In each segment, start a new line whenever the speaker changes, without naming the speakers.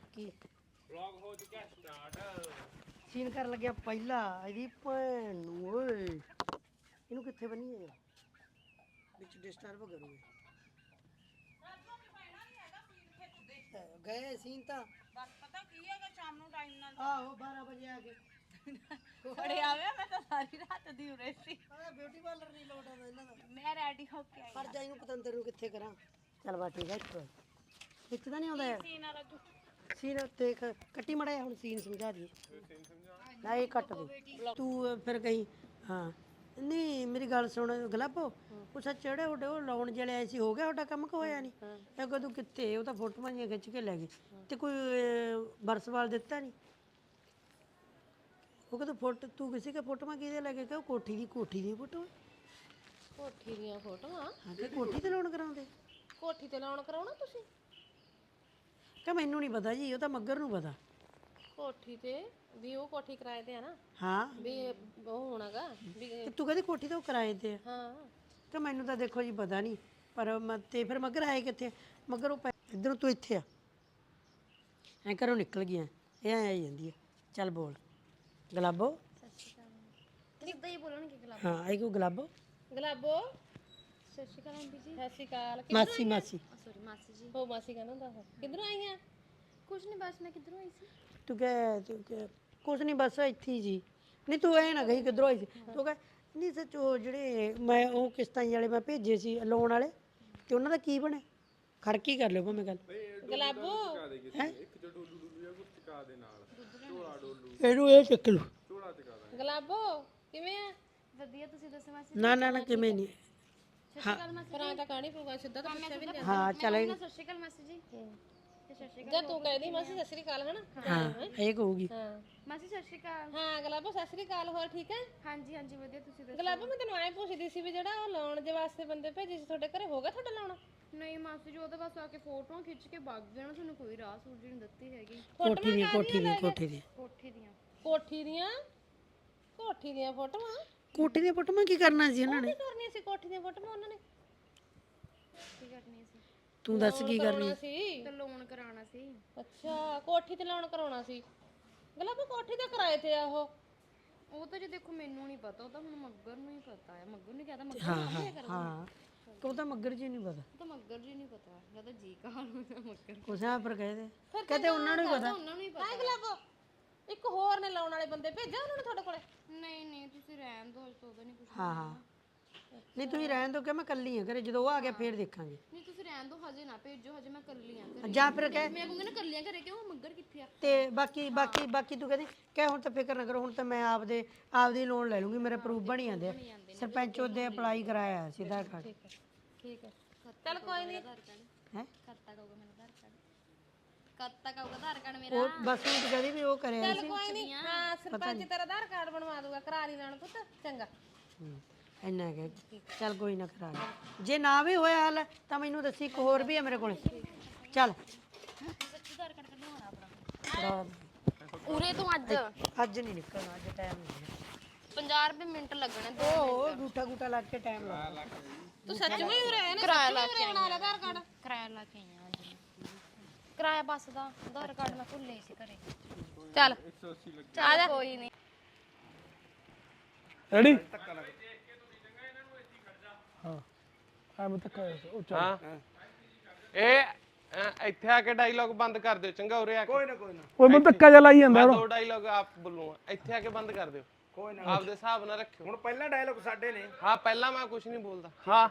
ਬਾਕੀ ਵਲੌਗ ਹੋ ਚੁੱਕਿਆ ਸਟਾਰਟ। ਸੀਨ ਕਰਨ ਲੱਗਿਆ ਪਹਿਲਾ ਇਹਦੀ ਭੈਣ ਨੂੰ ਓਏ ਇਹਨੂੰ ਕਿੱਥੇ ਬੰਨੀਏ ਵਿੱਚ ਡਿਸਟਰਬ ਕਰੂਗੇ ਗਏ ਸੀਨ ਤਾਂ
ਬਸ ਪਤਾ ਕੀ ਹੈਗਾ ਸ਼ਾਮ ਨੂੰ ਟਾਈਮ ਨਾਲ
ਆਹੋ 12 ਵਜੇ ਆ ਕੇ
ਬੜੇ ਆਵੇ ਮੈਂ ਤਾਂ ਸਾਰੀ ਰਾਤ ਦੀ ਉਰੇ ਸੀ
ਆ ਬਿਊਟੀ ਪਾਰਲਰ ਨਹੀਂ ਲੋਟ ਆਉਂਦਾ ਇਹਨਾਂ ਦਾ
ਮੈਂ ਰੈਡੀ ਹੋ ਕੇ ਆਈ
ਪਰ ਜਾਈ ਨੂੰ ਪਤੰਦਰ ਨੂੰ ਕਿੱਥੇ ਕਰਾਂ ਚੱਲ ਬਾ ਠੀਕ ਹੈ ਵਿੱਚ ਤਾਂ ਨਹੀਂ ਆਉਂਦਾ
ਸੀਨ ਵਾਲਾ ਤੂੰ
ਸੀਨ ਦੇਖ ਕੱਟੀ ਮੜਿਆ ਹੁਣ ਸੀਨ ਸਮਝਾ ਦੀ ਨਾ ਇਹ ਕੱਟ ਦੇ ਤੂੰ ਫਿਰ ਕਹੀਂ ਹਾਂ ਨਹੀਂ ਮੇਰੀ ਗੱਲ ਸੁਣ ਗਲਾਬੋ ਉਹ ਸੱਚ ਚੜੇ ਉਹਦੇ ਉਹ ਲਾਉਣ ਜਿਹੜੇ ਆਏ ਸੀ ਹੋ ਗਿਆ ਤੁਹਾਡਾ ਕੰਮ ਕਿ ਹੋਇਆ ਨਹੀਂ ਇਹ ਕਦੋਂ ਕਿੱਥੇ ਉਹ ਤਾਂ ਫੋਟੋਆਂ ਜਿਹੀਆਂ ਖਿੱਚ ਕੇ ਲੈ ਗਏ ਤੇ ਕੋਈ ਬਰਸਵਾਲ ਦਿੱਤਾ ਨਹੀਂ ਉਹ ਕਹਿੰਦਾ ਫੋਟੋ ਤੂੰ ਕਿਸੇ ਕੇ ਫੋਟੋਆਂ ਕਿਹਦੇ ਲੈ ਕੇ ਕਿ ਕੋਠੀ ਦੀ ਫੋਟੋ
ਕੋਠੀ ਦੀਆਂ ਫੋਟੋਆਂ
ਹਾਂ ਤੇ ਕੋਠੀ ਤੇ ਲਾਉਣ ਕਰਾਉਂਦੇ
ਕੋਠੀ ਤੇ ਲਾਉਣ ਕਰਾਉਣਾ ਤੁਸੀਂ
ਕਿ ਮੈਨੂੰ ਨਹੀਂ ਪਤਾ ਜੀ ਉਹ ਤਾਂ ਮੱਗਰ ਨੂੰ ਪਤਾ
ਕੋਠੀ ਤੇ ਵੀ ਉਹ ਕੋਠੀ ਕਿਰਾਏ ਤੇ ਆ ਨਾ
ਹਾਂ
ਵੀ ਉਹ ਹੋਣਾਗਾ ਵੀ
ਤੇ ਤੂੰ ਕਹਿੰਦੀ ਕੋਠੀ ਤਾਂ ਉਹ ਕਿਰਾਏ ਤੇ ਆ
ਹਾਂ
ਕਿ ਮੈਨੂੰ ਤਾਂ ਦੇਖੋ ਜੀ ਪਤਾ ਨਹੀਂ ਪਰ ਤੇ ਫਿਰ ਮੱਗਰ ਆਏ ਕਿੱਥੇ ਮੱਗਰ ਉਹ ਇੱਧਰੋਂ ਤੂੰ ਇੱਥੇ ਆ ਐਂ ਘਰੋਂ ਨਿਕਲ ਗਿਆ ਇਹ ਐਂ ਆਈ ਜਾਂਦੀ ਹੈ ਚੱਲ ਬੋਲ ਗਲਾਬੋ
ਸਿੱਧਾ ਹੀ ਬੋਲਣਗੇ ਗਲਾਬੋ
ਹਾਂ ਆਈ ਕੋ ਗਲਾਬੋ
ਗਲਾਬੋ ਸਤਿ ਸ਼੍ਰੀ ਅਕਾਲ ਆਂਟੀ ਜੀ ਸਤਿ ਸ਼੍ਰੀ ਅਕਾਲ
ਮਾਸੀ ਮਾਸੀ
ਸੌਰੀ ਮਾਸੀ ਜੀ ਹੋ ਮਾਸੀ ਕਹਿੰਦਾ ਹੁੰਦਾ ਉਹ ਕਿੱਧਰੋਂ ਆਈਆਂ ਕੁਝ ਨਹੀਂ ਬਸ ਮੈਂ ਕਿੱਧਰੋਂ ਆਈ ਸੀ
ਤੂੰ ਕਹਿ ਕੁਛ ਨਹੀਂ ਬਸ ਇੱਥੇ ਹੀ ਜੀ ਨਹੀਂ ਤੂੰ ਐ ਨਾ ਗਈ ਕਿੱਧਰੋਂ ਆਈ ਸੀ ਤੂੰ ਕਹਿ ਨਹੀਂ ਸੱਚ ਉਹ ਜਿਹੜੇ ਮੈਂ ਉਹ ਕਿਸ਼ਤਾਂ ਵਾਲੇ ਮੈਂ ਭੇਜੇ ਸੀ ਲੋਨ ਵਾਲੇ ਤੇ ਉਹਨਾਂ ਦਾ ਕੀ ਬਣਿਆ ਖੜਕੀ ਕਰ ਲਿਓ ਭਾਵੇਂ ਗੱਲ
ਗਲਾਬੋ
ਇਹਨੂੰ ਇਹ ਚੱਕ ਲੂ
ਗਲਾਬੋ ਕਿਵੇਂ ਆ ਵਧੀਆ ਤੁਸੀਂ ਦੱਸੋ ਮਾਸੀ
ਨਾ ਕਿਵੇਂ ਨਹੀਂ
ਪਰ ਤਾਂ ਕਹਾਣੀ ਪਊਗਾ ਸਿੱਧਾ ਤਾਂ ਪੁੱਛਿਆ ਵੀ ਨਹੀਂ
ਹਾਂ ਚੱਲ
ਸਤਿ ਸ਼੍ਰੀ ਅਕਾਲ ਮਾਸੀ ਜੀ ਤੇ ਸਤਿ ਸ਼੍ਰੀ ਅਕਾਲ ਤੂੰ ਕਹਿੰਦੀ ਮਾਸੀ ਸਤਿ ਸ਼੍ਰੀ ਅਕਾਲ ਹਨਾ
ਹਾਂ ਇਹ ਕਹੂਗੀ
ਹਾਂ ਮਾਸੀ ਸਤਿ ਸ਼੍ਰੀ ਅਕਾਲ ਹਾਂ ਗਲਾਬੋ ਸਤਿ ਸ਼੍ਰੀ ਅਕਾਲ ਹੋਰ ਠੀਕ ਹੈ ਹਾਂਜੀ ਹਾਂਜੀ ਵਧੀਆ ਤੁਸੀਂ ਦੱਸੋ ਗਲਾਬੋ ਮੈਂ ਤੈਨੂੰ ਐਂ ਪੁੱਛਦੀ ਸੀ ਵੀ ਜਿਹੜਾ ਉਹ ਲਾਉਣ ਦੇ ਵਾਸਤੇ ਬੰਦੇ ਭੇਜੇ ਸੀ ਤੁਹਾਡੇ ਘਰੇ ਹੋ ਗਿਆ ਤੁਹਾਡਾ ਲਾਉਣਾ
ਨਹੀਂ ਮਾਸੀ ਜੀ ਉਹਦੇ ਬਸ ਆ ਕੇ ਫੋਟੋਆਂ ਖਿੱਚ ਕੇ ਵਗ ਜਾਣਾ ਤੁਹਾਨੂੰ ਕੋਈ ਰਾਹ ਸੂਰਜੀ ਨਹੀਂ ਦਿੱਤੀ ਹੈਗੀ
ਕੋਠੀ ਦੀ
ਕੋਠੀ ਦੀਆਂ
ਕੋਠੀ ਦੀਆਂ ਫੋਟੋਆਂ
ਕੋਠੀ ਦੀਆਂ ਫੋਟੋਆਂ ਕੀ ਕਰਨਾ ਸੀ ਉਹਨਾਂ ਨੇ
ਕੀ ਕਰਨੀਆਂ ਸੀ ਕੋਠੀ ਦੀਆਂ ਫੋਟੋਆਂ ਉਹਨਾਂ ਨੇ
ਕੀ ਕਰਨੀ ਸੀ
ਤੂੰ ਦੱਸ ਕੀ ਕਰਨੀ
ਸੀ
ਤੇ ਲੋਨ ਕਰਾਉਣਾ ਸੀ
ਅੱਛਾ ਕੋਠੀ ਤੇ ਲਾਉਣ ਕਰਾਉਣਾ ਸੀ ਗਲਾਬੋ ਕੋਠੀ ਤੇ ਕਿਰਾਏ ਤੇ ਆ
ਉਹ ਤਾਂ ਜੇ ਦੇਖੋ ਮੈਨੂੰ ਨਹੀਂ ਪਤਾ ਉਹ ਤਾਂ ਹੁਣ ਮੱਗਰ ਨੂੰ ਹੀ ਪਤਾ ਹੈ ਮੱਗਰ ਨੇ ਕਹਤਾ ਮੱਗਰ
ਹਾਂ ਤੂੰ ਤਾਂ ਮੱਗਰ ਜੀ ਨਹੀਂ ਪਤਾ
ਤਾਂ ਮੱਗਰ ਜੀ ਨਹੀਂ ਪਤਾ ਜਦ ਜੀ ਕਹਾ ਮੱਗਰ
ਕੁਛਾ ਪਰ ਕਹਦੇ ਕਹਤੇ ਉਹਨਾਂ ਨੂੰ ਹੀ ਪਤਾ
ਉਹਨਾਂ ਨੂੰ ਹੀ ਪਤਾ
ਹਾਂ ਗਲਾਬੋ ਇੱਕ ਹੋਰ ਨੇ ਲਾਉਣ ਵਾਲੇ ਬੰਦੇ ਭੇਜਿਆ ਉਹਨਾਂ ਨੇ ਤੁਹਾਡੇ ਕੋਲੇ
ਨਹੀਂ ਤੁਸੀਂ ਰਹਿਣ ਦੋ ਤੋਂ ਉਹਦਾ ਨਹੀਂ ਕੁਝ
ਹਾਂ ਨਹੀਂ ਤੁਸੀਂ ਰਹਿਣ ਦੋ ਕਿ ਮੈਂ ਕੱਲੀ ਆ ਘਰੇ ਜਦੋਂ ਉਹ ਆ ਗਿਆ ਫੇਰ ਦੇਖਾਂਗੇ
ਨਹੀਂ ਤੁਸੀਂ ਰਹਿਣ ਦੋ ਹਜੇ ਨਾ ਭੇਜੋ ਹਜੇ ਮੈਂ ਕੱਲੀ ਆ ਘਰੇ
ਜਾਂ ਫਿਰ ਕਹਿ
ਮੈਂ ਕਹੂੰਗੀ ਨਾ ਕੱਲੀਆਂ ਘਰੇ ਕਿਉਂ ਮੱਗਰ ਕਿੱਥੇ ਆ
ਤੇ ਬਾਕੀ ਤੂੰ ਕਹਿੰਦੀ ਕਹਿ ਹੁਣ ਤਾਂ ਫਿਕਰ ਨਾ ਕਰੋ ਹੁਣ ਤਾਂ ਮੈਂ ਆਪਦੀ ਲੋਨ ਲੈ ਲੂੰਗੀ ਮੇਰੇ ਪ੍ਰੂਫ ਬਣ ਜਾਂਦੇ ਆ ਸਰਪੰਚ ਉਹਦੇ ਅਪਲਾਈ ਕਰਾਇਆ ਸੀ ਆਧਾਰ ਕਾਰਡ
ਠੀਕ ਹੈ ਚੱਲ ਕੋਈ ਨਹੀਂ
ਹੈ
ਕਰਤਾ ਕਹੂਗਾ ਮੈਨੂੰ ਆਧਾਰ ਕਾਰਡ ਕਰਤਾ ਕਹੂਗਾ ਆਧਾਰ ਕਾਰਡ ਮੇਰਾ
ਉਹ ਬਸ ਉਹ ਕਹਿੰਦੀ ਵੀ ਉਹ ਕਰਿਆ ਸੀ
ਕੋਈ ਨਹੀਂ ਹਾਂ ਸਰਪੰਚ ਤੇਰਾ ਆਧਾਰ ਕਾਰਡ ਬਣਵਾ ਦੂਗਾ ਕਰਾ ਲਈ ਲੈਣ ਪੁੱਤ ਚੰਗਾ
ਇੰਨਾ ਕਿ ਚੱਲ ਕੋਈ ਨਾ ਕਰਾ ਲੈ ਜੇ ਨਾ ਵੀ ਹੋਇਆ ਹਾਲ ਤਾਂ ਮੈਨੂੰ ਦੱਸੀ ਇੱਕ ਹੋਰ ਵੀ ਹੈ ਮੇਰੇ ਕੋਲ ਚੱਲ
ਆਧਾਰ ਕਾਰਡ ਕਢਵਾਉਣਾ ਆਪਣਾ
ਕਰਾ
ਉਰੇ ਤੋਂ
ਅੱਜ ਨਹੀਂ ਨਿਕਲਣਾ ਅੱਜ ਟਾਈਮ ਨਹੀਂ
50 ਰੁਪਏ ਮਿੰਟ ਲੱਗਣੇ
ਉਹ ਗੂਠਾ ਲੱਗ ਕੇ ਟਾਈਮ ਲੱਗਦਾ
ਤੂੰ ਸੱਚ ਵਿੱਚ ਉਰੇ ਆਇਆ ਨਾ
ਕਿਰਾਇਆ ਲਾ ਕੇ
ਬਣਾ ਲੈ ਆਧਾਰ ਕਾਰਡ
ਕਿਰਾਇਆ ਲਾ ਕੇ ਆਈਆਂ ਅੱਜ ਕਿਰਾਇਆ ਬੱਸ ਦਾ ਆਧਾਰ ਕਾਰਡ ਮੈਂ ਭੁੱਲੇ ਸੀ ਘਰੇ
ਚੱਲ
ਆ ਜਾ ਕੋਈ ਨਹੀਂ
ਰੈਡੀ ਹਾਂ ਆ ਮੈਂ ਤੱਕ ਉਹ ਚੱਲ
ਹਾਂ ਇਹ ਇੱਥੇ ਆ ਕੇ ਡਾਇਲੌਗ ਬੰਦ ਕਰ ਦਿਓ ਚੰਗਾ ਉਰੇ ਆ ਕੇ
ਓਏ ਮੈਨੂੰ ਧੱਕਾ ਜਿਹਾ ਲਾਈ ਜਾਂਦਾ
ਮੈਂ ਦੋ ਡਾਇਲੌਗ ਆਪ ਬੋਲੂੰਗਾ ਇੱਥੇ ਆ ਕੇ ਬੰਦ ਕਰ ਦਿਓ
ਕੋਈ ਨਾ
ਆਪਦੇ ਹਿਸਾਬ ਨਾਲ ਰੱਖਿਓ
ਹੁਣ ਪਹਿਲਾ ਡਾਇਲੌਗ ਸਾਡੇ ਨੇ
ਹਾਂ ਪਹਿਲਾਂ ਮੈਂ ਕੁਝ ਨਹੀਂ ਬੋਲਦਾ ਹਾਂ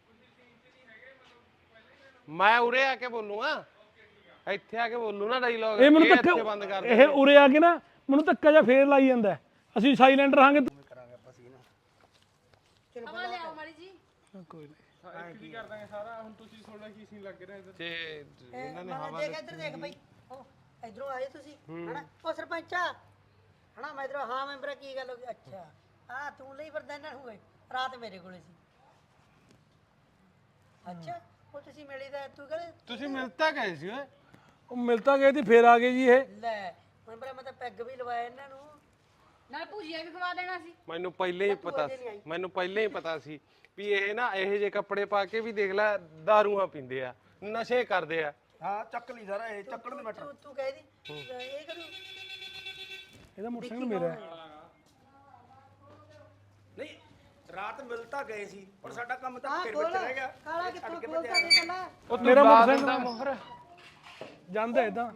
ਮੈਂ ਉਰੇ ਆ ਕੇ ਬੋਲੂੰਗਾ ਇੱਥੇ ਆ ਕੇ ਬੋਲੂ ਨਾ ਡਾਇਲੌਗ
ਇਹ ਮੈਨੂੰ
ਇੱਥੇ ਬੰਦ ਕਰ
ਧੱਕਾ ਇਹ ਉਰੇ ਆ ਕੇ ਨਾ ਮੈਨੂੰ ਧੱਕਾ ਜਿਹਾ ਫੇਰ ਲਾਈ ਜਾਂਦਾ ਅਸੀਂ ਸਾਇਲੈਂਟ ਰਹਾਂਗੇ
ਹਵਾ ਲਿਆਓ ਮਾੜੀ ਜੀ
ਕੋਈ ਨਹੀਂ
ਕੀ ਕਰ ਦਾਂਗੇ ਸਾਰਾ ਹੁਣ ਤੁਸੀਂ ਥੋੜਾ ਕੀ ਸੀਨ ਲੱਗ ਰਿਹਾ ਤੇ ਇਹਨਾਂ ਨੇ
ਦੇਖ ਇੱਧਰ ਦੇਖ ਬਈ ਉਹ ਇਧਰੋਂ ਆਏ ਤੁਸੀਂ ਹਨਾ ਉਹ ਸਰਪੰਚਾ ਹਨਾ ਮੈਂ ਇਧਰੋਂ ਹਾਂ ਮੈਂਬਰ ਕੀ ਗੱਲ ਹੋ ਗਈ ਅੱਛਾ ਹਾਂ ਤੂੰ ਲਈ ਫਿਰਦਾ ਇਹਨਾਂ ਨੂੰ ਓਏ ਰਾਤ ਮੇਰੇ ਕੋਲੇ ਸੀ ਅੱਛਾ ਉਹ ਤੁਸੀਂ ਮਿਲੀ ਦਾ ਤੂੰ ਕਹਿੰਦੇ
ਤੁਸੀਂ ਮਿਲਤਾ ਗਏ ਸੀ ਓਏ
ਉਹ ਮਿਲਤਾ ਗਏ ਤੇ ਫੇਰ ਆ ਗਏ ਜੀ ਇਹ
ਲੈ ਮੈਂਬਰ ਮੈਂ ਤਾਂ ਪੈਗ ਵੀ ਲਵਾਇਆ ਇਹਨਾਂ ਨੂੰ
ਨਾਲ ਭੁਜੀਆ ਵੀ ਖਵਾ ਦੇਣਾ ਸੀ
ਮੈਨੂੰ ਪਹਿਲਾਂ ਹੀ ਪਤਾ ਸੀ ਵੀ ਇਹ ਨਾ ਇਹੋ ਜਿਹੇ ਕੱਪੜੇ ਪਾ ਕੇ ਵੀ ਦੇਖ ਲੈ ਦਾਰੂਆਂ ਪੀਂਦੇ ਆ ਨਸ਼ੇ ਕਰਦੇ ਆ
ਹਾਂ ਚੱਕ ਲਈ ਸਾਰਾ ਇਹ ਚੱਕਣ ਦੇ ਮੈਟਰ
ਤੂੰ ਕਹਿ ਦੀ ਇਹ ਕਰੂ
ਇਹਦਾ ਮੋਟਰਸਾਈਕਲ ਮੇਰਾ ਹੈ।
ਨਹੀਂ ਰਾਤ ਮਿਲ ਤਾਂ ਗਏ ਸੀ ਪਰ ਸਾਡਾ ਕੰਮ ਤਾਂ ਫਿਰ ਵਿੱਚ ਰਹਿ ਗਿਆ
ਕਾਲਾ ਕਿੱਥੋਂ ਖੋਲਦਾ ਦੇ ਕੱਲਾ
ਉਹ
ਮੇਰਾ
ਮੇਰਾ
ਮੋਟਰਸਾਈਕਲ
ਦਾ ਮੋਹਰ
ਜਾਂਦਾ ਇਦਾਂ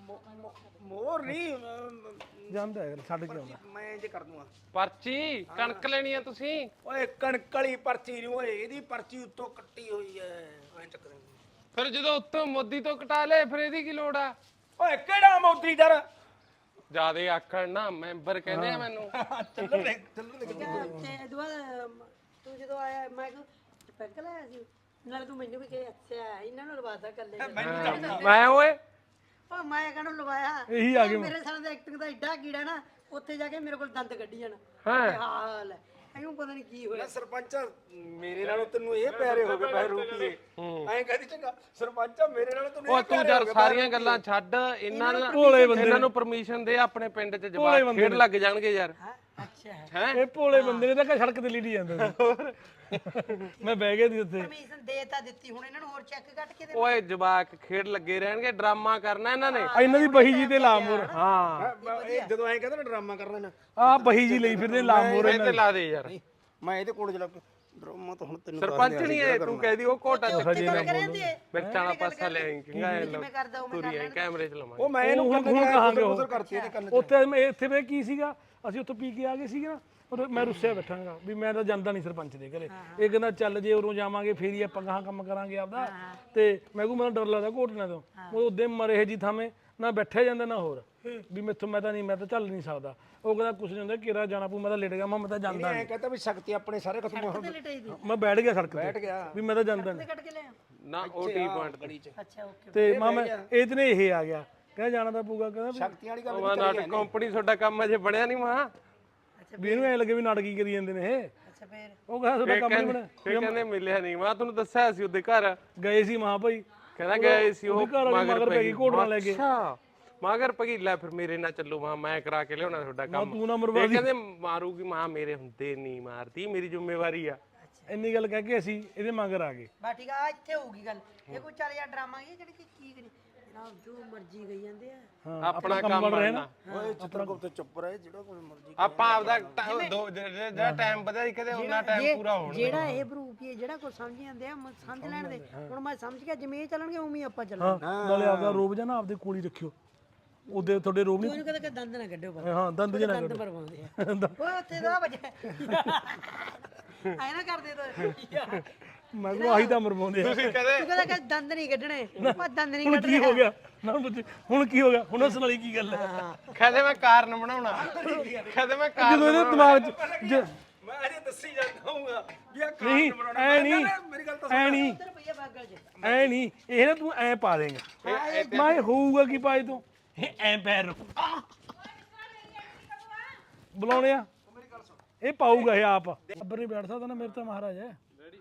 ਮੋਰ ਨਹੀਂ
ਜਾਂਦਾ ਹੈ ਛੱਡ ਕੇ ਆਉਂਦਾ।
ਮੈਂ ਜੇ ਕਰ ਦੂੰਗਾ
ਪਰਚੀ ਕਣਕ ਲੈਣੀ ਆ ਤੁਸੀਂ
ਓਏ ਕਣਕ ਵਾਲੀ ਪਰਚੀ ਨਹੀਂ ਓਏ ਇਹਦੀ ਪਰਚੀ ਉੱਤੋਂ ਕੱਟੀ ਹੋਈ ਐ ਐਂ ਚੱਕ ਦੇ
ਫਿਰ ਜਦੋਂ ਉੱਤੋਂ ਮੋਦੀ ਤੋਂ ਕਟਾ ਲਏ ਫਿਰ ਇਹਦੀ ਕੀ ਲੋੜ ਆ
ਓਏ ਕਿਹੜਾ ਮੋਦੀ ਦਰ
ਜਿਆਦੇ ਆਖਣ ਨਾ ਮੈਂਬਰ ਕਹਿੰਦੇ ਆ ਮੈਨੂੰ
ਚੱਲਣ ਦੇ
ਤੇ ਦੁਆ ਤੂੰ ਜਦੋਂ ਆਇਆ ਮੈਂ ਕਿਹਾ ਪੈਗ ਲਾਇਆ ਸੀ ਨਾਲ ਤੂੰ ਮੈਨੂੰ ਵੀ ਕਹੇ ਅੱਛਾ ਇਹਨਾਂ ਨੂੰ ਲਵਾਤਾ ਕੱਲੇ
ਮੈਂ ਓਏ
ਉਹ ਮੈਂ ਕਹਿੰਦਾ ਲਵਾਇਆ
ਇਹੀ ਆ ਗਏ
ਮੇਰੇ ਸਾਲ ਦਾ ਐਕਟਿੰਗ ਦਾ ਐਡਾ ਕੀੜਾ ਨਾ ਉੱਥੇ ਜਾ ਕੇ ਮੇਰੇ ਕੋਲ ਦੰਦ ਕੱਢੀ ਜਾਣਾ
ਹਾਂ
ਹਾਲ ਹੈ ਇਹਨੂੰ ਪਤਾ ਨਹੀਂ ਕੀ ਹੋਇਆ
ਸਰਪੰਚ ਮੇਰੇ ਨਾਲੋਂ ਤੈਨੂੰ ਇਹ ਪਿਆਰੇ ਹੋ ਗਏ ਪੈਰ ਰੂਪੀਏ ਐਂ ਕਹਦੀ ਚੰਗਾ ਸਰਪੰਚ ਮੇਰੇ ਨਾਲੋਂ ਤੈਨੂੰ
ਉਹ ਤੂੰ ਯਾਰ ਸਾਰੀਆਂ ਗੱਲਾਂ ਛੱਡ ਇਹਨਾਂ
ਭੋਲੇ ਬੰਦੇ
ਇਹਨਾਂ ਨੂੰ ਪਰਮਿਸ਼ਨ ਦੇ ਆਪਣੇ ਪਿੰਡ 'ਚ ਜਵਾਬ ਖੇਡ ਲੱਗ ਜਾਣਗੇ ਯਾਰ
ਅੱਛਾ
ਹੈ
ਇਹ ਭੋਲੇ ਬੰਦੇ ਨੇ ਤਾਂ ਸੜਕ ਤੇ ਲੀੜੀ ਜਾਂਦਾ ਸੀ। ਮੈਂ ਬਹਿ ਗਿਆ ਸੀ ਉੱਥੇ
ਪਰਮਿਸ਼ਨ ਦੇ ਤਾਂ ਦਿੱਤੀ ਹੁਣ ਇਹਨਾਂ ਨੂੰ ਹੋਰ ਚੈੱਕ ਕੱਟ ਕੇ ਦੇ
ਓਏ ਜਵਾਕ ਖੇਡ ਲੱਗੇ ਰਹਿਣਗੇ ਡਰਾਮਾ ਕਰਨਾ ਇਹਨਾਂ ਨੇ
ਇਹਨਾਂ ਦੀ ਬਹੀ ਜੀ ਤੇ ਲਾਮੋਰ
ਹਾਂ
ਇਹ ਜਦੋਂ ਐਂ ਕਹਿੰਦਾ ਨਾ ਡਰਾਮਾ ਕਰਨਾ ਨਾ
ਆਹ ਬਹੀ ਜੀ ਲਈ ਫਿਰਦੇ ਲਾਮੋਰ
ਇਹ ਤੇ ਲਾ ਦੇ ਯਾਰ
ਮੈਂ ਇਹਦੇ ਕੋਲ ਚਲਾ ਡਰਾਮਾ ਤਾਂ ਹੁਣ ਤੈਨੂੰ
ਸਰਪੰਚ ਨਹੀਂ ਹੈ ਤੂੰ ਕਹਿਦੀ ਉਹ ਕੋਟਾ
ਹਜੇ ਨਾ ਬੋਲੋ
ਮਿਰਚਾਂ ਵਾਲਾ ਪਾਸਾ ਲੈ ਆਈ ਕਿੰਗਾ
ਮੈਂ ਕਰਦਾ ਉਹ
ਤੁਰੀ ਆਈ ਕੈਮਰੇ ਚ ਲਵਾਂਗੇ
ਉਹ ਮੈਂ ਇਹਨੂੰ
ਹੁਣ ਕਹਾਂਗੇ ਉਹ
ਉਧਰ ਕਰਤੀ ਇਹਦੇ ਕੰਨ
ਉੱਥੇ ਮੈਂ ਇੱਥੇ ਵੇ ਕੀ ਸੀਗਾ ਅਸੀਂ ਉੱਥੋਂ ਪੀ ਕੇ ਆ ਗਏ ਸੀਗੇ ਨਾ ਉਦੋਂ ਮੈਂ ਰੁੱਸਿਆ ਬੈਠਾਂਗਾ ਵੀ ਮੈਂ ਤਾਂ ਜਾਂਦਾ ਨਹੀਂ ਸਰਪੰਚ ਦੇ ਘਰੇ ਇਹ ਕਹਿੰਦਾ ਚੱਲ ਜੇ ਉਰੋਂ ਜਾਵਾਂਗੇ ਫੇਰ ਹੀ ਆਪਾਂ ਗਾਹਾਂ ਕੰਮ ਕਰਾਂਗੇ ਆਪਦਾ ਤੇ ਮੈਂ ਕਿਹਾ ਮੈਨੂੰ ਡਰ ਲੱਗਦਾ ਘੋਟਣਾ ਤੋਂ ਉਹ ਉਹਦੇ ਮਰੇ ਜੀ ਥਾਵੇਂ ਨਾ ਬੈਠਿਆ ਜਾਂਦਾ ਨਾ ਹੋਰ ਵੀ ਮੈਥੋਂ ਮੈਂ ਤਾਂ ਚੱਲ ਨਹੀਂ ਸਕਦਾ ਉਹ ਕਹਿੰਦਾ ਕੁਛ ਨਹੀਂ ਹੁੰਦਾ ਕਿਹੜਾ ਜਾਣਾ ਪਊ ਮੈਂ ਤਾਂ ਲੇਟ ਗਿਆ ਮੈਂ ਤਾਂ ਜਾਂਦਾ
ਐਂ ਕਹਿੰਦਾ ਵੀ ਸ਼ਕਤੀ ਆਪਣੇ ਸਾਰੇ ਖਤਮ ਹੋ
ਲਟਾਈ ਦੀ
ਮੈਂ ਬੈਠ ਗਿਆ ਸੜਕ
ਬੈਠ
ਤੇ
ਗਿਆ
ਵੀ ਮੈਂ ਤਾਂ ਜਾਂਦਾ ਨਹੀਂ
ਕੱਟ ਕੇ ਲਿਆ
ਨਾ ਉਹ ਟੀ ਪੁਆਇੰਟ
ਗੜੀ ਚ
ਅੱਛਾ ਓਕੇ
ਤੇ ਮਾਮਾ ਇਹਦੇ ਇਹ ਆ ਗਿਆ ਕਹਿੰਦਾ ਜਾਣਾ ਤਾਂ ਪਊਗਾ ਕਹਿੰਦਾ
ਸ਼ਕਤੀ ਵਾਲੀ ਗੱਲ
ਉਹ ਨਾਟਕ ਕੰਪਨੀ ਤੁਹਾਡਾ ਕੰਮ ਅਜੇ ਬਣਿਆ ਨਹੀਂ ਮਾਂ
ਵੀ ਇਹਨੂੰ ਐ ਲੱਗੇ ਵੀ ਨਾਟਕੀ ਕਰੀ ਜਾਂਦੇ ਨੇ ਇਹ
ਅੱਛਾ ਫੇਰ
ਉਹ ਕਹਿੰਦਾ ਤੁਹਾਡਾ ਕੰਮ ਨਹੀਂ ਬਣਿਆ
ਫੇਰ ਕਹਿੰਦੇ ਮਿਲਿਆ ਨਹੀਂ ਮਾਂ ਤੁਹਾਨੂੰ ਦੱਸਿਆ ਸੀ ਉਹਦੇ ਘਰ
ਗਏ ਸੀ ਮਾਂ ਭਾਈ
ਕਹਿੰਦਾ ਗਏ ਸੀ ਉਹ
ਘਰ ਵਾਲੀ ਮਗਰ ਪੈ ਗਈ ਘੋੜਨਾ ਲੈ ਕੇ
ਅੱਛਾ ਮਗਰ ਪਗੀ ਲੈ ਫਿਰ ਮੇਰੇ ਨਾਲ ਚੱਲੋ ਮਾਂ ਮੈਂ ਕਰਾ ਕੇ ਲਿਆਉਣਾ ਤੁਹਾਡਾ ਕੰਮ
ਤੂੰ ਨਾ ਮਰਵਾ
ਇਹ ਕਹਿੰਦੇ ਮਾਰੂਗੀ ਮਾਂ ਮੇਰੇ ਹੁੰਦੇ ਨਹੀਂ ਮਾਰਦੀ ਮੇਰੀ ਜ਼ਿੰਮੇਵਾਰੀ ਆ
ਇੰਨੀ ਗੱਲ ਕਹਿ ਕੇ ਅਸੀਂ ਇਹਦੇ ਮਗਰ ਆ ਗਏ
ਬਾ ਠੀਕ ਆ ਇੱਥੇ ਹੋਊਗੀ ਗੱਲ ਇਹ ਕੋਈ ਚੱਲ ਯਾਰ ਡਰਾਮਾ ਇਹ ਜਿਹੜੀ ਕੀ ਕਰੀ ਜਨਾਬ ਜੋ ਮਰਜ਼ੀ ਗਈ ਜਾਂਦੇ ਆ
ਹਾਂ
ਆਪਣਾ ਕੰਮ ਬਣਨਾ
ਓਏ ਚਿੱਤਰਗੁਪਤ ਤੇ ਚੁੱਪ ਰਹੇ ਜਿਹੜਾ ਕੋਈ ਮਰਜ਼ੀ
ਆਪਾਂ ਆਪਦਾ ਜਿਹੜਾ ਟਾਈਮ ਵਧਿਆ ਕਦੇ ਉਹਨਾਂ ਟਾਈਮ ਪੂਰਾ ਹੋਣਾ
ਜਿਹੜਾ ਇਹ ਬਰੂਪੀ ਜਿਹੜਾ ਕੋਈ ਸਮਝ ਜਾਂਦੇ ਆ ਸਮਝ ਲੈਣ ਦੇ ਹੁਣ ਮੈਂ ਸਮਝ ਗਿਆ ਜਿਵੇਂ ਇਹ ਚੱਲਣਗੇ ਉਵੇਂ ਹੀ ਆਪਾਂ ਚੱਲਾਂਗੇ
ਨਾਲੇ ਆਪਦਾ ਰੋਬ ਜਾਂ ਨਾ ਆਪਦੇ ਕੋਲ ਹੀ ਰੱਖਿਓ ਉਹਦੇ ਤੁਹਾਡੇ ਰੋਬ ਨਹੀਂ
ਉਹਨੂੰ ਕਹਿੰਦਾ ਕਿ ਦੰਦ ਨਾ ਕੱਢਿਓ ਪਰ
ਹਾਂ ਦੰਦ ਜਨਾ
ਦੰਦ ਪਰਵਾਉਂਦੇ ਆ ਉਹ ਉੱਥੇ ਦਾ ਵਜੇ ਐ ਨਾ ਕਰਦੇ ਤੋ
ਮੈਂ ਕਿਹਾ ਆਹੀ ਤਾਂ ਮਰਵਾਉਂਦੇ ਆ
ਤੁਸੀਂ ਕਦੇ
ਤੂੰ ਕਹਿੰਦਾ ਕਿ ਦੰਦ ਨਹੀਂ ਕੱਢਣੇ ਉਹ ਦੰਦ ਨਹੀਂ
ਹੁਣ
ਕੱਢਣੇ
ਕੀ ਹੋ ਗਿਆ ਨਾ ਹੁਣ ਕੀ ਹੋ ਗਿਆ ਹੁਣ ਉਸ ਵਾਲੀ ਕੀ ਗੱਲ ਹੈ
ਕਦੇ ਮੈਂ ਕਾਰਨ ਬਣਾਉਣਾ ਕਦੇ ਮੈਂ ਕਾਰਨ
ਜਦੋਂ ਇਹਦੇ ਦਿਮਾਗ 'ਚ
ਮੈਂ ਅਜੇ ਦੱਸੀ ਜਾਂਦਾ ਹੂੰਗਾ ਵੀ ਆ
ਨਹੀਂ ਐ ਨਹੀਂ
ਮੇਰੀ ਗੱਲ ਤਾਂ
ਐ ਨਹੀਂ
ਰੁਪਈਆ ਬਾਗਲ ਚ
ਐ ਨਹੀਂ ਇਹ ਨਾ ਤੂੰ ਐ ਪਾ ਦੇਂਗਾ ਮੈਂ ਹੋਊਗਾ ਕੀ ਪਾਏ ਤੂੰ ਐ ਪੈਰ ਰੱਖੂ ਬੁਲਾਉਣੇ ਆ ਇਹ ਪਾਊਗਾ ਇਹ ਆਪ ਅੱਬਰ ਨਹੀਂ ਬੈਠ ਸਕਦਾ ਨਾ ਮੇਰੇ ਤਾਂ ਮਹਾਰਾਜ ਹੈ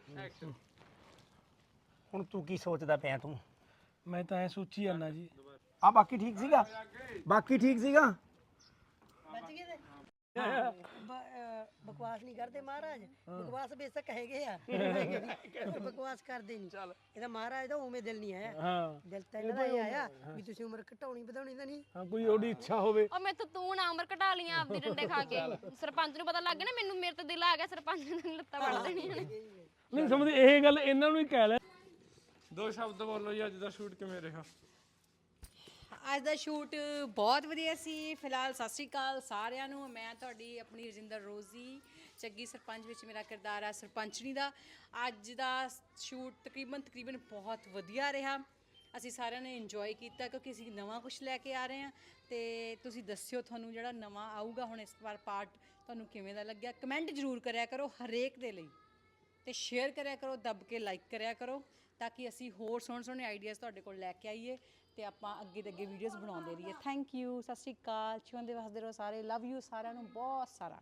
ਹੁਣ ਤੂੰ ਕੀ ਸੋਚਦਾ ਪਿਆ ਤੂੰ
ਮੈਂ ਤਾਂ ਐ ਸੋਚੀ ਜਾਂਦਾ ਜੀ
ਆ ਬਾਕੀ ਠੀਕ ਸੀਗਾ ਬਾਕੀ ਠੀਕ ਸੀਗਾ
ਬਚ ਗਏ ਤੇ ਬਕਵਾਸ ਨਹੀਂ ਕਰਦੇ ਮਹਾਰਾਜ ਬਕਵਾਸ ਬੇਸ਼ੱਕ ਹੈਗੇ ਆ ਬਕਵਾਸ ਕਰਦੇ ਨਹੀਂ ਇਹਦਾ ਮਹਾਰਾਜ ਦਾ ਉਵੇਂ ਦਿਲ ਨਹੀਂ ਆਇਆ
ਹਾਂ
ਦਿਲ ਤਾਂ ਇਹਨਾਂ ਦਾ ਇਹ ਆਇਆ ਵੀ ਤੁਸੀਂ ਉਮਰ ਘਟਾਉਣੀ ਵਧਾਉਣੀ ਤਾਂ ਨਹੀਂ
ਹਾਂ ਕੋਈ ਉਹਦੀ ਇੱਛਾ ਹੋਵੇ
ਉਹ ਮੈਥੋਂ ਤੂੰ ਨਾ ਉਮਰ ਘਟਾ ਲੀਆਂ ਆਪਦੀ ਡੰਡੇ ਖਾ ਕੇ ਸਰਪੰਚ ਨੂੰ ਪਤਾ ਲੱਗ ਗਿਆ ਨਾ ਮੈਨੂੰ ਮੇਰੇ ਤੇ ਦਿਲ ਆ ਗਿਆ ਸਰਪੰਚ ਨੇ ਲੱਤਾਂ ਵੜ ਦੇਣੀਆਂ ਨੇ
ਨਹੀਂ ਸਮਝਦੇ ਇਹ ਗੱਲ ਇਹਨਾਂ ਨੂੰ ਹੀ ਕਹਿ ਲੈ
ਦੋ ਸ਼ਬਦ ਬੋਲੋ ਜੀ ਅੱਜ ਦਾ ਸ਼ੂਟ ਕਿਵੇਂ ਰਿਹਾ
ਅੱਜ ਦਾ ਸ਼ੂਟ ਬਹੁਤ ਵਧੀਆ ਸੀ। ਫਿਲਹਾਲ ਸਤਿ ਸ਼੍ਰੀ ਅਕਾਲ ਸਾਰਿਆਂ ਨੂੰ। ਮੈਂ ਤੁਹਾਡੀ ਆਪਣੀ ਰਜਿੰਦਰ ਰੋਜ਼ੀ, ਚੱਗੀ ਸਰਪੰਚ ਵਿੱਚ ਮੇਰਾ ਕਿਰਦਾਰ ਹੈ ਸਰਪੰਚਣੀ ਦਾ। ਅੱਜ ਦਾ ਸ਼ੂਟ ਤਕਰੀਬਨ ਬਹੁਤ ਵਧੀਆ ਰਿਹਾ। ਅਸੀਂ ਸਾਰਿਆਂ ਨੇ ਇੰਜੋਏ ਕੀਤਾ ਕਿਉਂਕਿ ਅਸੀਂ ਨਵਾਂ ਕੁਝ ਲੈ ਕੇ ਆ ਰਹੇ ਹਾਂ ਤੇ ਤੁਸੀਂ ਦੱਸਿਓ ਤੁਹਾਨੂੰ ਜਿਹੜਾ ਨਵਾਂ ਆਊਗਾ ਹੁਣ ਇਸ ਵਾਰ ਪਾਰਟ ਤੁਹਾਨੂੰ ਕਿਵੇਂ ਦਾ ਲੱਗਿਆ। ਕਮੈਂਟ ਜ਼ਰੂਰ ਕਰਿਆ ਕਰੋ ਹਰੇਕ ਦੇ ਲਈ ਤੇ ਸ਼ੇਅਰ ਕਰਿਆ ਕਰੋ, ਦੱਬ ਕੇ ਲਾਈਕ ਕਰਿਆ ਕਰੋ ਤਾਂ ਕਿ ਅਸੀਂ ਹੋਰ ਸੋਹਣੇ ਆਈਡੀਆਜ਼ ਤੁਹਾਡੇ ਕੋਲ ਲੈ ਕੇ ਆਈਏ ਤੇ ਆਪਾਂ ਅੱਗੇ ਦੇ ਅੱਗੇ ਵੀਡੀਓਜ਼ ਬਣਾਉਂਦੇ ਰਹੀਏ। ਥੈਂਕ ਯੂ, ਸਤਿ ਸ਼੍ਰੀ ਅਕਾਲ, ਜਿਉਂਦੇ ਵਸਦੇ ਰਹੋ ਸਾਰੇ। ਲਵ ਯੂ ਸਾਰਿਆਂ ਨੂੰ ਬਹੁਤ ਸਾਰਾ।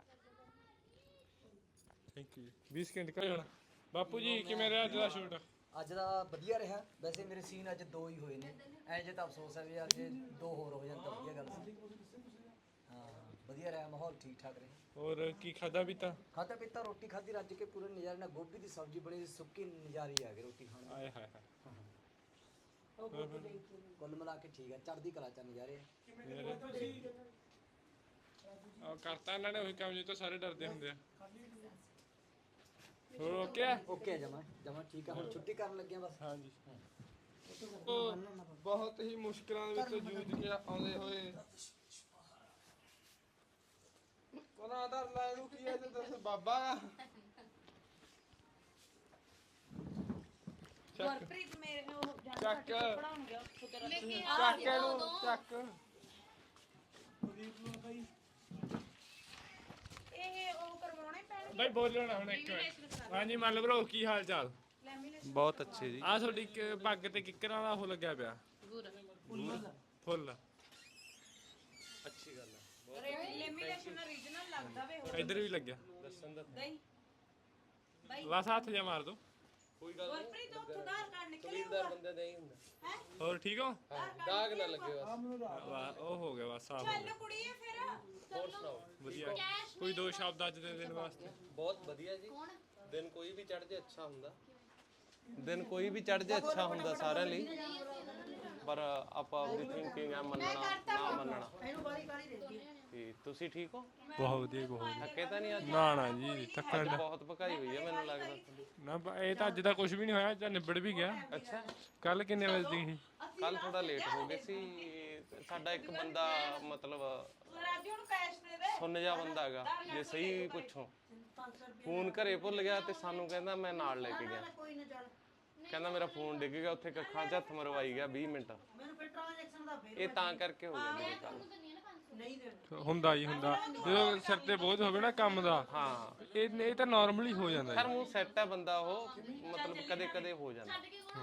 ਥੈਂਕ ਯੂ 20 ਸਕਿੰਟ ਕਰ ਜਾਣਾ। ਬਾਪੂ ਜੀ ਕਿਵੇਂ ਰਿਹਾ ਅੱਜ ਦਾ ਸ਼ੂਟ?
ਅੱਜ ਦਾ ਵਧੀਆ ਰਿਹਾ। ਵੈਸੇ ਮੇਰੇ ਸੀਨ ਅੱਜ 2 ਹੀ ਹੋਏ ਨੇ। ਐ ਜੇ ਤਾਂ ਅਫਸੋਸ ਹੈ ਵੀ ਯਾਰ ਜੇ 2 ਹੋਰ ਹੋ ਜਾਣ ਤਾਂ ਵਧੀਆ ਗੱਲ ਸੀ। ਹਾਂ ਵਧੀਆ ਰਿਹਾ, ਮਾਹੌਲ ਠੀਕ ਠਾਕ ਰਿਹਾ।
ਹੋਰ ਕੀ ਖਾਦਾ ਪੀਤਾ?
ਖਾਧਾ ਪੀਤਾ, ਰੋਟੀ ਖਾਧੀ ਰੱਜ ਕੇ ਪੂਰੇ ਨਜ਼ਾਰੇ ਨਾਲ। ਗੋਭੀ ਦੀ ਸਬਜ਼ੀ ਬਣੀ ਸੀ, ਸੁੱਕੀ ਨਜ਼ਾਰੀ ਆ ਗਈ ਰੋਟੀ ਖਾਣ ਦੀ।
ਆਏ ਹਾਏ ਹਾਏ
ਕੁੱਲ ਮਿਲਾ ਕੇ ਠੀਕ ਹੈ, ਚੜ੍ਹਦੀ ਕਲਾ ਚ ਨਜ਼ਾਰੇ ਆ।
ਕਰਤਾ ਇਹਨਾਂ ਨੇ ਉਹੀ ਕੰਮ ਜਿੱਤੋਂ ਸਾਰੇ ਡਰਦੇ ਹੁੰਦੇ ਆ। ਹੋਰ ਓਕੇ ਆ?
ਓਕੇ ਜਮਾ ਜਮਾ ਠੀਕ ਆ, ਹੁਣ ਛੁੱਟੀ ਕਰਨ ਲੱਗੇ ਆ ਬਸ।
ਹਾਂਜੀ ਬਹੁਤ ਹੀ ਮੁਸ਼ਕਲਾਂ ਦੇ ਵਿੱਚੋਂ ਜੂਝ ਕੇ ਆਉਂਦੇ ਹੋਏ ਉਹਨਾਂ ਦਾ ਲੈ ਨੂੰ ਕੀ ਹੈ ਤੇ ਦੱਸ ਬਾਬਾ
ਗੁਰਪ੍ਰੀਤ ਮੇਰੇ ਉਹ
ਚੱਕ
ਪੜਾਉਣਗੇ
ਚੱਕ ਇਹਨੂੰ ਚੱਕ
ਇਹ ਉਹ ਕਰਵਾਉਣੇ ਪੈਣਗੇ
ਬਾਈ ਬੋਲੋ ਨਾ ਹੁਣ ਇੱਕ ਮਿੰਟ। ਹਾਂਜੀ ਮੰਨ ਲਓ ਬ్రో ਕੀ ਹਾਲ ਚਾਲ? ਬਹੁਤ ਅੱਛੇ ਜੀ। ਆ ਤੁਹਾਡੀ ਇੱਕ ਪੱਗ ਤੇ ਕਿੱਕਰਾਂ ਦਾ ਉਹ ਲੱਗਿਆ ਪਿਆ ਫੁੱਲ। ਅੱਛੀ ਗੱਲ ਹੈ।
ਲੈਮੀਨੇਸ਼ਨ ਓਰੀਜਨਲ ਲੱਗਦਾ ਵੇ
ਇੱਧਰ ਵੀ ਲੱਗਿਆ। ਦੱਸਣ ਦਾ
ਨਹੀਂ
ਬਸ ਹੱਥ ਜਿਹਾ ਮਾਰ ਦੋ।
ਗੁਰਪ੍ਰੀਤ ਉੱਥੋਂ ਆਧਾਰ ਕਾਰਡ ਨਿਕਲਿਆ
ਬੰਦੇ ਨਹੀਂ ਹੁੰਦਾ। ਹੋਰ ਠੀਕ ਹੋ? ਦਾਗ ਨਾ ਲੱਗੇ ਬਸ। ਉਹ ਹੋ ਗਿਆ ਬਸ ਸਾਫ ਹੋ ਗਿਆ।
ਕੁੜੀ ਹੈ ਫਿਰ
ਹੋਰ ਸੁਣਾਓ? ਵਧੀਆ। ਕੋਈ ਦੋ ਸ਼ਬਦ ਅੱਜ ਦੇ ਦਿਨ ਵਾਸਤੇ?
ਬਹੁਤ ਵਧੀਆ ਜੀ। ਦਿਨ ਕੋਈ ਵੀ ਚੜ ਜੇ ਅੱਛਾ ਹੁੰਦਾ। ਦਿਨ ਕੋਈ ਵੀ ਚੜ ਜੇ ਅੱਛਾ ਹੁੰਦਾ ਸਾਰਿਆਂ ਲਈ, ਪਰ ਆਪਾਂ ਆਪਣੀ ਥਿੰਕਿੰਗ ਆ ਮੰਨਣਾ ਨਾ ਮੰਨਣਾ। ਤੇ ਤੁਸੀਂ ਠੀਕ ਹੋ?
ਬਹੁਤ ਵਧੀਆ ਬਹੁਤ।
ਥੱਕੇ ਤਾਂ ਨਹੀਂ ਅੱਜ?
ਨਾ ਨਾ ਜੀ ਥੱਕਣ ਦਾ
ਬਹੁਤ ਭਕਾਈ ਹੋਈ ਹੈ ਮੈਨੂੰ ਲੱਗਦਾ।
ਨਾ ਇਹ ਤਾਂ ਅੱਜ ਦਾ ਕੁਝ ਵੀ ਨਹੀਂ ਹੋਇਆ, ਜਾਂ ਨਿਬੜ ਵੀ ਗਿਆ।
ਅੱਛਾ
ਕੱਲ ਕਿੰਨੇ ਵਜੇ ਦੀ ਸੀ?
ਕੱਲ ਥੋੜਾ ਲੇਟ ਹੋ ਗਏ ਸੀ। ਸਾਡਾ ਇੱਕ ਬੰਦਾ ਮਤਲਬ
ਰਾਜੂ ਨੂੰ ਕੈਸ਼ ਦੇ ਦੇ
ਸੁੰਨ ਜਾ ਬੰਦਾ ਹੈਗਾ, ਜੇ ਸਹੀ ਪੁੱਛੋ ਫੋਨ ਘਰੇ ਭੁੱਲ ਗਿਆ ਤੇ ਸਾਨੂੰ ਕਹਿੰਦਾ ਮੈਂ ਨਾਲ ਲੈ ਕੇ ਗਿਆ। ਕਹਿੰਦਾ ਮੇਰਾ ਫੋਨ ਡਿੱਗ ਗਿਆ ਉੱਥੇ, ਕੱਖਾਂ 'ਚ ਹੱਥ ਮਰਵਾਈ ਗਿਆ 20 ਮਿੰਟ। ਇਹ ਤਾਂ ਕਰਕੇ ਹੋ ਗਿਆ ਮੇਰੇ ਕੱਲ।
ਹੁੰਦਾ ਹੀ ਹੁੰਦਾ ਜਦੋਂ ਸਿਰ ਤੇ ਬੋਝ ਹੋਵੇ ਨਾ ਕੰਮ ਦਾ।
ਹਾਂ
ਇਹ ਤਾਂ ਨਾਰਮਲੀ ਹੋ ਜਾਂਦਾ
ਖੈਰ ਮੂੰਹ ਸੈੱਟ ਹੈ ਬੰਦਾ, ਉਹ ਮਤਲਬ ਕਦੇ ਕਦੇ ਹੋ ਜਾਂਦਾ।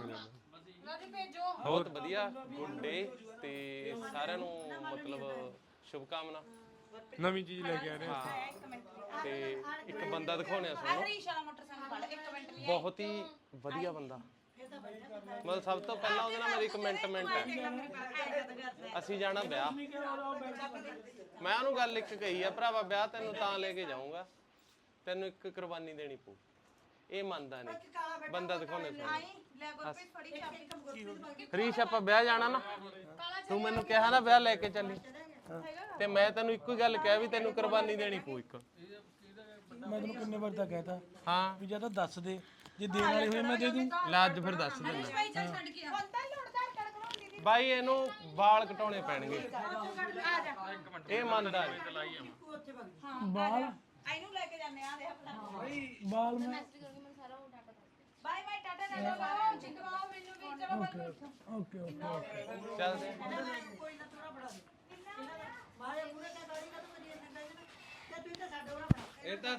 ਬਹੁਤ ਵਧੀਆ ਗੁੱਡ ਡੇ ਤੇ ਸਾਰਿਆਂ ਨੂੰ ਮਤਲਬ ਸ਼ੁਭ ਕਾਮਨਾ।
ਨਵੀਂ ਚੀਜ਼ ਲੈ ਕੇ ਆ ਰਹੇ ਹਾਂ।
ਤੇ ਇੱਕ ਬੰਦਾ ਦਿਖਾਉਣਿਆ ਸਾਨੂੰ,
ਹਰੀਸ਼ ਵਾਲਾ ਮੋਟਰਸਾਈਕਲ ਵਾਲਾ 1 ਮਿੰਟ ਲਈ
ਬਹੁਤ ਹੀ ਵਧੀਆ ਬੰਦਾ। ਮਤਲਬ ਸਭ ਤੋਂ ਪਹਿਲਾਂ ਉਹਦੇ ਨਾਲ ਮੇਰੀ ਕਮੈਂਟਮੈਂਟ ਹੈ, ਅਸੀਂ ਜਾਣਾ ਵਿਆਹ। ਮੈਂ ਉਹਨੂੰ ਗੱਲ ਇੱਕ ਕਹੀ ਆ, ਭਰਾਵਾ ਵਿਆਹ ਤੈਨੂੰ ਤਾਂ ਲੈ ਕੇ ਜਾਊਂਗਾ, ਤੈਨੂੰ ਇੱਕ ਕੁਰਬਾਨੀ ਦੇਣੀ ਪਊ। ਇਹ ਮੰਨਦਾ ਨਹੀਂ। ਬੰਦਾ ਦਿਖਾਉਣੇ
ਲੈ ਗੁਰਪ੍ਰੀਤ ਫੜੀ ਚਾਬੀ।
ਹਰੀਸ਼ ਆਪਾਂ ਵਿਆਹ ਜਾਣਾ ਨਾ, ਤੂੰ ਮੈਨੂੰ ਕਿਹਾ ਨਾ ਵਿਆਹ ਲੈ ਕੇ ਚੱਲੀ, ਤੇ ਮੈਂ ਤੈਨੂੰ ਇੱਕੋ ਹੀ ਗੱਲ ਕਿਹਾ ਵੀ ਤੈਨੂੰ ਕੁਰਬਾਨੀ ਦੇਣੀ ਪਊ ਇੱਕ।
ਮੈਂ ਤੈਨੂੰ ਕਿੰਨੇ ਵਾਰ ਤਾਂ ਕਹਿਤਾ
ਹਾਂ
ਵੀ ਜਾਂ ਤਾਂ ਦੱਸ ਦੇ, ਜੇ ਦੇਣ ਵਾਲੇ ਹੋਏ ਮੈਂ ਦੇ ਦੂੰ।
ਲੈ ਅੱਜ ਫਿਰ ਦੱਸ ਦਿੰਦਾ
ਭਾਈ ਚੱਲ ਛੱਡ ਕੇ ਆ ਹੁਣ ਤਾਂ ਲੋੜਦਾਰ ਕੜਕ ਲਾਉਂਦੀ ਦੀ
ਬਾਈ, ਇਹਨੂੰ ਵਾਲ ਕਟਾਉਣੇ ਪੈਣਗੇ।
ਆ ਜਾ
ਇਹ ਮੰਨਦਾ ਨੀ।
ਬਾਲ
ਇਹਨੂੰ ਲੈ ਕੇ ਜਾਂਦੇ ਆ ਦੇ ਆਪਣਾ
ਬਾਲ ਮੈਂ
bye bye tata tata bye ਜਿੰਦਵਾਓ ਮੈਨੂੰ ਵੀ ਚਲੋ ਬਸ
ਓਕੇ ਓਕੇ
ਚੱਲਦੇ
ਕੋਈ ਨਾ ਥੋੜਾ ਬੜਾ ਦੇ ਮਾਰੇ ਪੂਰੇ ਕਾ ਗਾੜੀ ਕਾ ਤੂੰ ਵਧੀਆ ਸੰਗਾ ਜੀ ਤੇ ਤੂੰ ਤਾਂ ਸਾਡੇ ਵਾਲਾ ਬਣਾ
ਇਹ ਤਾਂ